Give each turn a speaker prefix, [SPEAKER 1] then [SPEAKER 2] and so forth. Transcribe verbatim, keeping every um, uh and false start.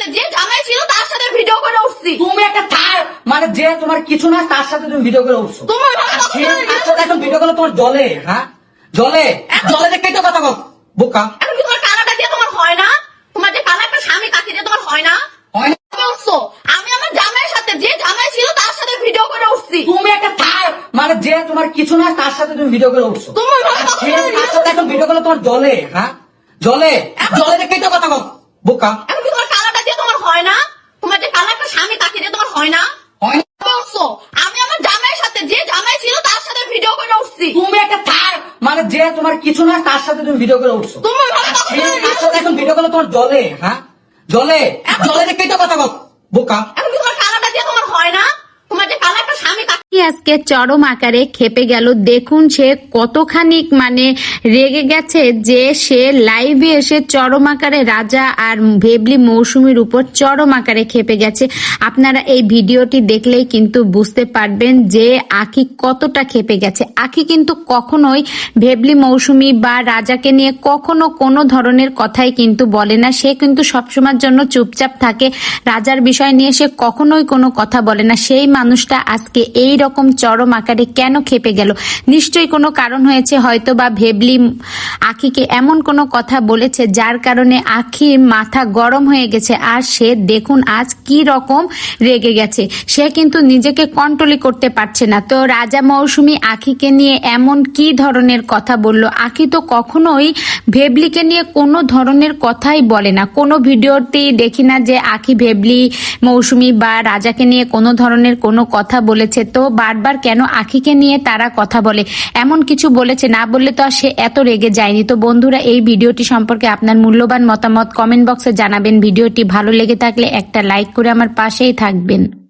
[SPEAKER 1] যে জামাই ছিল তার সাথে ভিডিও করে উঠছি।
[SPEAKER 2] তুমি একটা থার মানে যে তোমার কিছু না তার সাথে তুমি ভিডিও করে উঠছো।
[SPEAKER 1] তোমার
[SPEAKER 2] এখন ভিডিও করলে তোমার জলে হ্যাঁ জলে জলে দেখেই তো কথা বল বোকা।
[SPEAKER 1] এখন কি তোমার কালারটা দিয়ে তোমার হয় না? তোমার যে কালার একটা স্বামী কাকি দিয়ে তোমার হয় না?
[SPEAKER 2] হয় না
[SPEAKER 1] বলছো আমি আমার জামাইয়ের সাথে যে জামাই ছিল তার সাথে ভিডিও করে উঠছি।
[SPEAKER 2] তুমি একটা থার মানে যে তোমার কিছু না তার সাথে তুমি ভিডিও করে উঠছো।
[SPEAKER 1] তোমার
[SPEAKER 2] এখন ভিডিও করলে তোমার জলে হ্যাঁ জলে জলে দেখেই তো কথা বল বোকা।
[SPEAKER 1] এখন কি তোমার কালারটা দিয়ে তোমার হয় না? তোমার যে কালার একটা স্বামী কাকি দিয়ে তোমার হয় না?
[SPEAKER 2] হয় না
[SPEAKER 1] বলছো আমি আমার জামাইয়ের সাথে যে জামাই ছিল তার সাথে ভিডিও করে উঠছি।
[SPEAKER 2] তুমি একটা থার মানে যে তোমার কিছু না তার সাথে তুমি ভিডিও করে উঠছো।
[SPEAKER 1] তোমার
[SPEAKER 2] এখন ভিডিও করলে তোমার জলে হ্যাঁ জলে জলে দেখেই তো কথা বল বোকা।
[SPEAKER 1] এখন কি তোমার কালারটা দিয়ে তোমার হয় না? তোমার যে কালার একটা স্বামী কাকি
[SPEAKER 3] আজকে চরম আকারে খেপে গেল। দেখুন সে কতখানি মানে রেগে গেছে যে সে লাইভে এসে চরম আকারে রাজা আর ভেবলি মৌসুমীর উপর চরম আকারে খেপে গেছে। আপনারা এই ভিডিওটি দেখলেই কিন্তু বুঝতে পারবেন যে আখি কতটা খেপে গেছে। আখি কিন্তু কখনোই ভেবলি মৌসুমী বা রাজাকে নিয়ে কখনো কোনো ধরনের কথাই কিন্তু বলে না। সে কিন্তু সবসময়ের জন্য চুপচাপ থাকে। রাজার বিষয় নিয়ে সে কখনোই কোনো কথা বলে না। সেই মানুষটা আজকে এই রকম চরম আকারে কেন খেপে গেল? নিশ্চয়ই কোনো কারণ হয়েছে, হয়তো বা ভেবলি আখিকে এমন কোনো কথা বলেছে যার কারণে আখির মাথা গরম হয়ে গেছে। আর সে দেখুন আজ কি রকম রেগে গেছে। সে কিন্তু নিজেকে কন্ট্রোলই করতে পারছে না। তো রাজা মৌসুমী আখিকে নিয়ে এমন কি ধরনের কথা বলল? আখি তো কখনোই ভেবলিকে নিয়ে কোনো ধরনের কথাই বলে না। কোনো ভিডিওতেই দেখি না যে আখি ভেবলি মৌসুমী বা রাজাকে নিয়ে কোনো ধরনের কোনো কথা বলেছে। তো বারবার কেন আখিকে নিয়ে তারা কথা বলে? এমন কিছু বলেছে, না বললে তো আর সে এত রেগে যায়নি। তো বন্ধুরা, এই ভিডিওটি সম্পর্কে আপনার মূল্যবান মতামত কমেন্ট বক্সে জানাবেন। ভিডিওটি ভালো লেগে থাকলে একটা লাইক করে আমার পাশেই থাকবেন।